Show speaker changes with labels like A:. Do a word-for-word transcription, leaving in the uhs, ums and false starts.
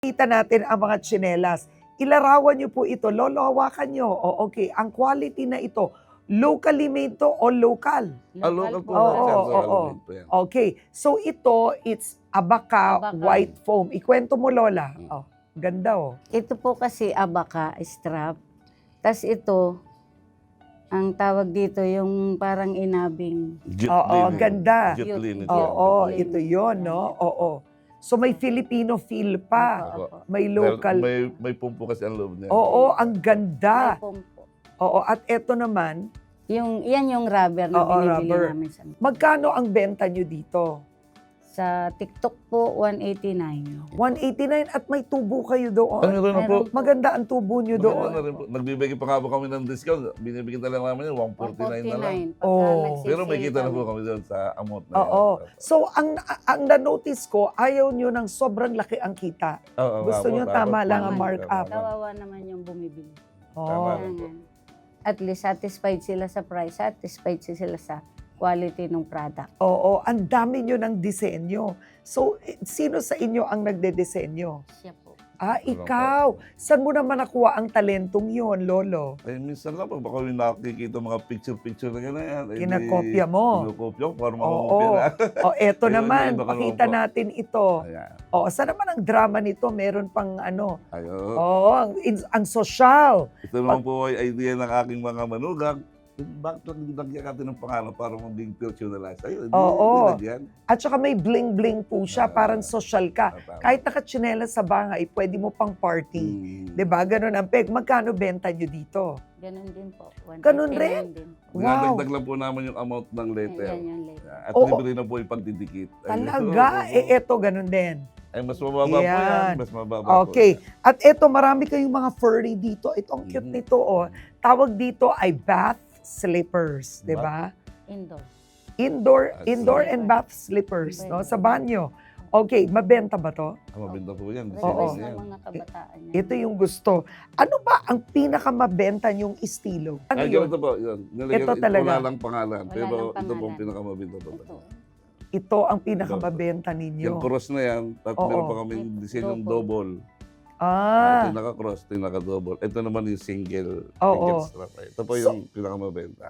A: Kita natin ang mga tsinelas. Ilarawan niyo po ito. Lolo, hawakan niyo. O, okay. Ang quality na ito, locally made to o local?
B: Ah, local po.
A: Oo,
B: yan, sir.
A: oo,
B: Local
A: oo.
B: made po yan.
A: Okay. So ito, it's Abaca,
C: Abaca.
A: white foam. Ikwento mo, Lola.
B: Hmm.
A: Oh, ganda oh.
C: Ito po kasi Abaca strap. Tapos ito, ang tawag dito yung parang inabing.
B: Jute
A: Oo,
B: linen.
A: ganda.
B: Jute
C: Jute.
B: linen.
A: Oo,
C: Jute.
A: ito yon, no? Oo. So may Filipino feel pa.
C: Opo, opo.
A: May
B: Dahil
A: local.
B: May, may pumpo kasi ang loob niya.
A: Oo, ang
C: May
A: ganda.
C: pumpo.
A: Oo, at ito naman,
C: Yung, yan yung rubber na
A: Oo,
C: binibili
A: rubber.
C: namin sa,
A: magkano ang benta nyo dito?
C: sa TikTok po, one eighty-nine.
A: one eighty-nine at may tubo kayo
B: Ano
A: doon.
B: rin na po?
C: Meron.
A: Maganda ang tubo nyo
B: Maganda
A: doon.
B: na rin po. Nagbibigay pa nga po kami ng discount. Binibigyan talaga namin yun, one forty-nine na lang.
C: Pagka
A: Oo.
C: nagsisale
B: Pero may kita na
C: kami.
B: po kami doon sa amount na
A: Oo.
B: yan.
A: So, ang ang na-notice ko, ayaw nyo ng sobrang laki ang kita.
B: Oo,
A: Gusto
B: nga po,
A: nyo tama lang ang
C: Tama.
A: markup.
C: Kawawa naman yung bumibili.
A: Oh.
B: Tama.
C: Kaya nga, at least satisfied sila sa price, satisfied sila sa quality ng product.
A: Oo, ang dami nyo ng disenyo. So, eh, sino sa inyo ang nagde-disenyo?
C: Siya po.
A: Ah,
B: Wala
A: ikaw. Saan mo naman nakuha ang talentong yon, Lolo?
B: Eh, minsan lang, pag baka may nakikita mga picture-picture na gano'n. Eh,
A: Kinakopya mo.
B: Kinakopya ko, para
A: Oo.
B: makakopya na.
A: O, eto
B: Ayun,
A: naman.
B: yun, baka
A: Pakita
B: naman po.
A: natin ito.
B: Ayan.
A: O, saan naman ang drama nito? Meron pang ano.
B: Ayun.
A: Oo, ang, in- ang social.
B: Ito naman po ay idea ng aking mga manugang. Bakit lang nilagyan natin ng pangalan para maging personalized? Ayun, hindi
A: Oo.
B: nilagyan.
A: At saka may bling-bling po siya.
B: Ah.
A: Parang social ka.
B: Tama.
A: Kahit nakatsinelas sa bangay, pwede mo pang party.
B: Hmm.
A: Diba? Ganun ang peg. Magkano benta nyo dito?
C: Ganun din po. one
A: Ganun
C: eighty-nine
A: rin?
C: din.
A: Wow.
B: Dinadagdag lang po namin yung amount ng letter.
C: Yan yung letter.
B: At
A: Oo.
B: libre na po yung pagdidikit. Ayun.
A: Talaga?
B: Oo.
A: Eh, eto, ganun din.
B: Ay, mas mababa po
A: Yan.
B: yan. Mas mababa po
A: Okay.
B: yan.
A: At eto, marami kayong mga furry dito. Ito, ang cute
B: Mhm.
A: nito, oh. Tawag dito ay bath slippers, di ba?
C: Indoor.
A: Indoor,
B: Ah,
A: indoor
C: slipper.
A: and bath slippers, no?
C: Pwede.
A: Sa banyo. Okay, mabenta ba to?
B: Ah, mabenta po yan.
A: Oo.
C: Request
B: Yan.
C: ng mga kabataan yan.
A: Ito yung gusto. Ano ba ang pinakamabenta yung estilo? Ano
B: Ay,
A: yun?
B: ganito po. Yun. Nilagyan,
A: Ito talaga.
B: Wala lang pangalan.
C: Wala
B: pero
C: lang
B: ito po ang
C: pangalan.
B: pinakamabenta po.
C: Ito.
A: Ito ang pinakamabenta ninyo.
B: Yung cross na yan, at
A: Oo.
B: meron pa kami
C: May
B: disenyong
C: double.
B: double.
A: Ah,
B: Ito naka-cross, ito naka-double. Ito naman yung single,
A: Oo.
B: single strap. Ito po yung pinakamabenta.